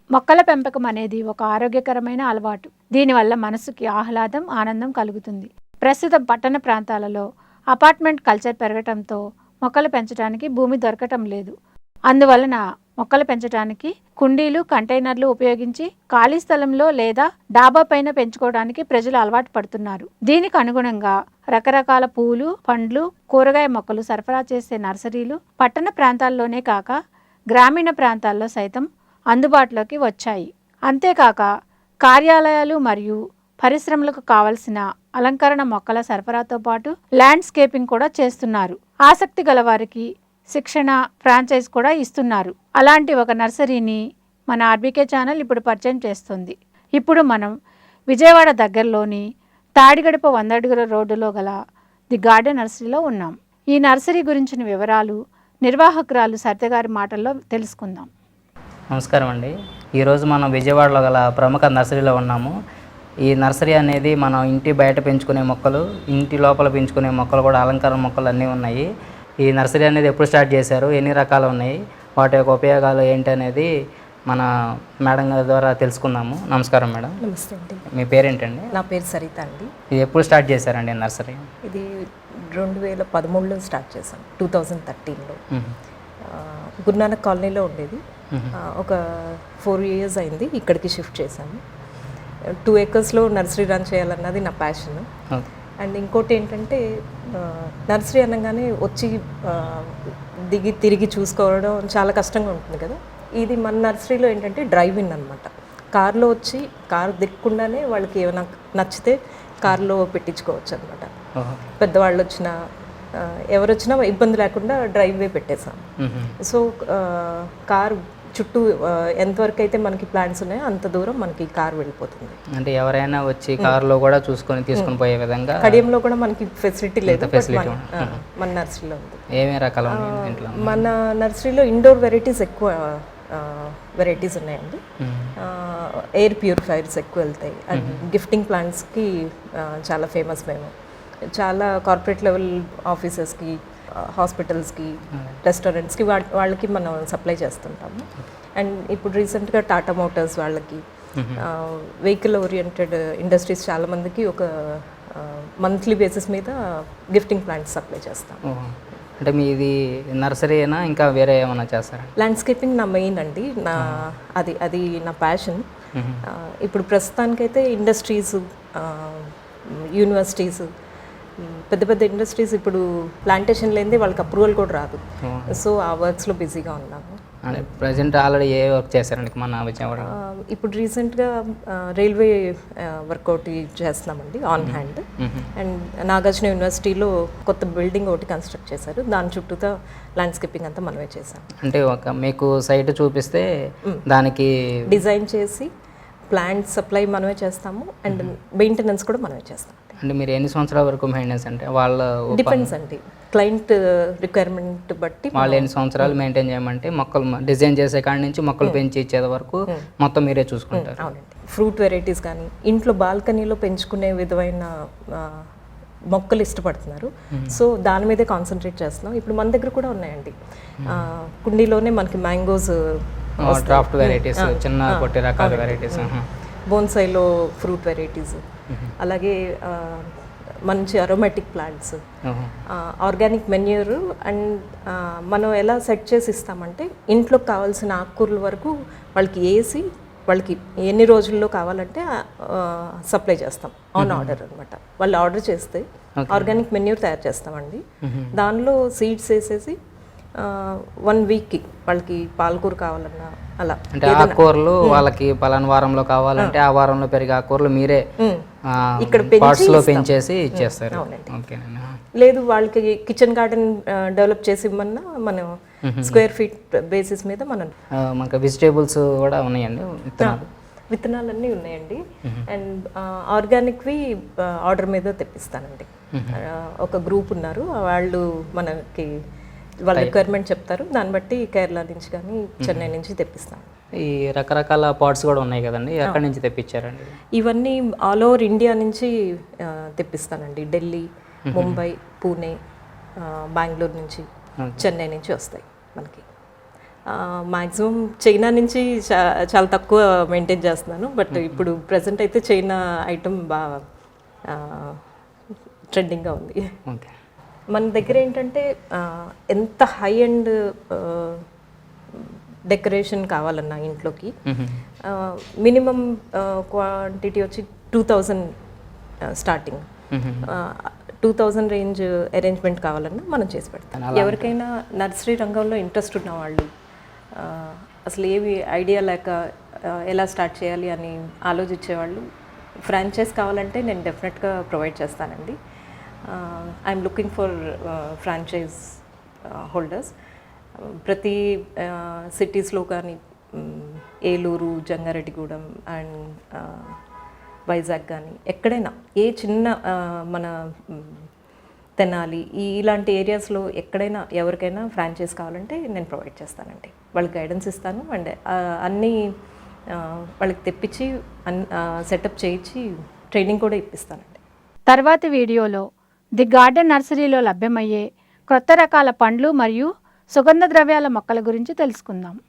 మొక్కల పెంపకం అనేది ఒక ఆరోగ్యకరమైన అలవాటు. దీనివల్ల మనసుకి ఆహ్లాదం, ఆనందం కలుగుతుంది. ప్రస్తుతం పట్టణ ప్రాంతాలలో అపార్ట్మెంట్ కల్చర్ పెరగటంతో మొక్కలు పెంచడానికి భూమి దొరకటం లేదు. అందువలన మొక్కలు పెంచడానికి కుండీలు, కంటైనర్లు ఉపయోగించి ఖాళీ స్థలంలో లేదా డాబా పైన పెంచుకోవడానికి ప్రజలు అలవాటు పడుతున్నారు. దీనికి అనుగుణంగా రకరకాల పూలు, పండ్లు, కూరగాయ మొక్కలు సరఫరా చేసే నర్సరీలు పట్టణ ప్రాంతాల్లోనే కాక గ్రామీణ ప్రాంతాల్లో సైతం అందుబాటులోకి వచ్చాయి. అంతేకాక కార్యాలయాలు మరియు పరిశ్రమలకు కావలసిన అలంకరణ మొక్కల సరఫరాతో పాటు ల్యాండ్స్కేపింగ్ కూడా చేస్తున్నారు. ఆసక్తి గల వారికి శిక్షణ, ఫ్రాంచైజ్ కూడా ఇస్తున్నారు. అలాంటి ఒక నర్సరీని మన ఆర్బీకే ఛానల్ ఇప్పుడు పరిచయం చేస్తుంది. ఇప్పుడు మనం విజయవాడ దగ్గరలోని తాడిగడప 100 అడుగుల రోడ్డులో గల ది గార్డెన్ నర్సరీలో ఉన్నాం. ఈ నర్సరీ గురించిన వివరాలు నిర్వాహకురాలు సత్యగారి మాటల్లో తెలుసుకుందాం. నమస్కారం అండి. ఈరోజు మనం విజయవాడలో గల ప్రముఖ నర్సరీలో ఉన్నాము. ఈ నర్సరీ అనేది మనం ఇంటి బయట పెంచుకునే మొక్కలు, ఇంటి లోపల పెంచుకునే మొక్కలు కూడా అలంకరణ మొక్కలు అన్నీ ఉన్నాయి. ఈ నర్సరీ అనేది ఎప్పుడు స్టార్ట్ చేశారు, ఎన్ని రకాలు ఉన్నాయి, వాటి యొక్క ఉపయోగాలు ఏంటి అనేది మన మేడం గారి ద్వారా తెలుసుకుందాము. నమస్కారం మేడం. నమస్తే అండి. మీ పేరేంటండి? నా పేరు సరిత అండి. ఇది ఎప్పుడు స్టార్ట్ చేశారండి నర్సరీ? ఇది 2013లో స్టార్ట్ చేశాను, 2013లో. గురునానక్ కాలనీలో ఉండేది. ఒక 4 years అయింది ఇక్కడికి షిఫ్ట్ చేశాను. 2 acres నర్సరీ రన్ చేయాలన్నది నా ప్యాషన్. అండ్ ఇంకోటి ఏంటంటే నర్సరీ అనగానే వచ్చి దిగి తిరిగి చూసుకోవడం చాలా కష్టంగా ఉంటుంది కదా. ఇది మన నర్సరీలో ఏంటంటే డ్రైవ్ ఇన్ అనమాట. కార్లో వచ్చి కారు దిక్కుండానే వాళ్ళకి ఏమైనా నచ్చితే కార్లో పెట్టించుకోవచ్చు అనమాట. పెద్దవాళ్ళు వచ్చినా ఎవరు వచ్చినా ఇబ్బంది లేకుండా డ్రైవే పెట్టేసాం. సో కార్ చుట్టూ ఎంతవరకు అయితే మనకి ప్లాన్స్ ఉన్నాయో అంత దూరం మనకి కార్ వెళ్ళిపోతుంది. అంటే ఎవరైనా వచ్చి కార్లో కూడా చూసుకొని తీసుకొని పోయే విధంగా. కడియంలో కూడా మనకి ఫెసిలిటీ లేదు, మన నర్సరీలో ఉంది. ఏమేమి రకాలు మన నర్సరీలో ఇండోర్ వెరైటీస్ ఎక్కువ వెరైటీస్ ఉన్నాయండి. ఎయిర్ ప్యూరిఫైర్స్ ఎక్కువ వెళ్తాయి. అండ్ గిఫ్టింగ్ ప్లాంట్స్కి చాలా ఫేమస్ మేము. చాలా కార్పొరేట్ లెవెల్ ఆఫీసెస్కి, హాస్పిటల్స్కి, రెస్టారెంట్స్కి వాళ్ళకి మనం సప్లై చేస్తుంటాము. అండ్ ఇప్పుడు రీసెంట్గా టాటా మోటార్స్ వాళ్ళకి, వెహికల్ ఓరియంటెడ్ ఇండస్ట్రీస్ చాలామందికి ఒక మంత్లీ బేసిస్ మీద గిఫ్టింగ్ ప్లాంట్స్ సప్లై చేస్తాము. అంటే మీది నర్సరీ అయినా ఇంకా వేరే ఏమైనా చేస్తారా? ల్యాండ్స్కేపింగ్ నా మెయిన్ అండి. అది నా ప్యాషన్. ఇప్పుడు ప్రస్తుతానికైతే ఇండస్ట్రీస్, యూనివర్సిటీస్, పెద్ద పెద్ద ఇండస్ట్రీస్ ఇప్పుడు ప్లాంటేషన్ లేనిదే వాళ్ళకి అప్రూవల్ కూడా రాదు. సో ఆ వర్క్స్లో బిజీగా ఉన్నాము. ప్రజెంట్ ఆల్రెడీ ఏ వర్క్ చేశారండి మన విజయవాడ? ఇప్పుడు రీసెంట్గా రైల్వే వర్క్ ఒకటి చేస్తున్నామండి, ఆన్ హ్యాండ్. అండ్ నాగార్జున యూనివర్సిటీలో కొత్త బిల్డింగ్ ఒకటి కన్స్ట్రక్ట్ చేశారు. దాని చుట్టూతో ల్యాండ్స్కేపింగ్ అంతా మనమే చేసాం. అంటే ఒక మీకు సైట్ చూపిస్తే దానికి డిజైన్ చేసి ప్లాంట్ సప్లై మనమే చేస్తాము. అండ్ మెయింటెనెన్స్ కూడా మనమే చేస్తాం. అంటే మీరు ఎన్ని సంవత్సరాల వరకు మెయింటెనెన్స్? అంటే వాళ్ళ డిపెండ్స్ అండి, క్లయింట్ రిక్వైర్మెంట్ బట్టి. వాళ్ళు ఎన్ని సంవత్సరాలు మెయింటైన్ చేయమంటే మొక్కలు డిజైన్ చేసే కాడి నుంచి మొక్కలు పెంచి ఇచ్చేది వరకు మొత్తం మీరే చూసుకుంటారు? అవునండి. ఫ్రూట్ వెరైటీస్ కానీ ఇంట్లో బాల్కనీలో పెంచుకునే విధమైన మొక్కలు ఇష్టపడుతున్నారు. సో దాని మీదే కాన్సన్ట్రేట్ చేస్తున్నాం. ఇప్పుడు మన దగ్గర కూడా ఉన్నాయండి. కుండీలోనే మనకి మ్యాంగోస్, డ్రాఫ్ట్ వెరైటీస్, చిన్న పొట్టి రకాల వెరైటీస్, బోన్సైలో ఫ్రూట్ వెరైటీస్, అలాగే మంచి aromatic plants, organic manure. And మనం ఎలా సెట్ చేసి ఇస్తామంటే ఇంట్లోకి కావాల్సిన ఆకుకూరల వరకు వాళ్ళకి వేసి వాళ్ళకి ఎన్ని రోజుల్లో కావాలంటే సప్లై చేస్తాం. ఆన్ ఆర్డర్ అనమాట. వాళ్ళు ఆర్డర్ చేస్తే ఆర్గానిక్ మెన్యూర్ తయారు చేస్తామండి. దానిలో సీడ్స్ వేసేసి 1 weekకి వాళ్ళకి పాలకూర కావాలన్నా అలా. అంటే ఆకుకూరలు వాళ్ళకి పలానా వారంలో కావాలంటే ఆ వారంలో పెరిగే ఆకుకూరలు మీరే ఇక్కడ పెంచేసి ఇచ్చేస్తారు? లేదు, వాళ్ళకి కిచెన్ గార్డెన్ డెవలప్ చేసి ఇవ్వమన్నా మనం స్క్వేర్ ఫీట్ బేసిస్ మీద మనకి వెజిటేబుల్స్ కూడా ఉన్నాయండి, విత్తనాలన్నీ ఉన్నాయండి. అండ్ ఆర్గానిక్వి ఆర్డర్ మీద తెప్పిస్తానండి. ఒక గ్రూప్ ఉన్నారు, వాళ్ళు మనకి వాళ్ళ రిక్వైర్మెంట్ చెప్తారు. దాన్ని బట్టి కేరళ నుంచి కానీ చెన్నై నుంచి తెప్పిస్తాను. ఈ రకరకాల పాట్స్ కూడా ఉన్నాయి కదండి, ఎక్కడి నుంచి తెప్పించారండి? ఇవన్నీ ఆల్ ఓవర్ ఇండియా నుంచి తెప్పిస్తానండి. ఢిల్లీ, ముంబై, పూణే, బెంగళూరు నుంచి, చెన్నై నుంచి వస్తాయి మనకి. మ్యాక్సిమం చైనా నుంచి చాలా తక్కువ మెయింటైన్ చేస్తున్నాను. బట్ ఇప్పుడు ప్రజెంట్ అయితే చైనా ఐటమ్ బాగా ట్రెండింగ్గా ఉంది. ఓకే. మన దగ్గర ఏంటంటే ఎంత హై అండ్ డెకరేషన్ కావాలన్నా ఇంట్లోకి మినిమం క్వాంటిటీ వచ్చి 2000 స్టార్టింగ్. 2000 రేంజ్ అరేంజ్మెంట్ కావాలన్నా మనం చేసి పెడతాం. ఎవరికైనా నర్సరీ రంగంలో ఇంట్రెస్ట్ ఉన్న వాళ్ళు అసలు ఏవి ఐడియా లేక ఎలా స్టార్ట్ చేయాలి అని ఆలోచించేవాళ్ళు ఫ్రాంచైజ్ కావాలంటే నేను డెఫినెట్గా ప్రొవైడ్ చేస్తానండి. I'm looking for franchise holders. ప్రతి సిటీస్లో కానీ ఏలూరు, జంగారెడ్డిగూడెం అండ్ వైజాగ్ కానీ ఎక్కడైనా ఏ చిన్న మన తెనాలి ఇలాంటి ఏరియాస్లో ఎక్కడైనా ఎవరికైనా ఫ్రాంచైజ్ కావాలంటే నేను ప్రొవైడ్ చేస్తానండి. వాళ్ళకి గైడెన్స్ ఇస్తాను అండ్ అన్నీ వాళ్ళకి తెప్పించి సెటప్ చేయించి ట్రైనింగ్ కూడా ఇప్పిస్తానండి. తర్వాతి వీడియోలో ది గార్డెన్ నర్సరీలో లభ్యమయ్యే కొత్త రకాల పండ్లు మరియు సుగంధ ద్రవ్యాల మొక్కల గురించి తెలుసుకుందాం.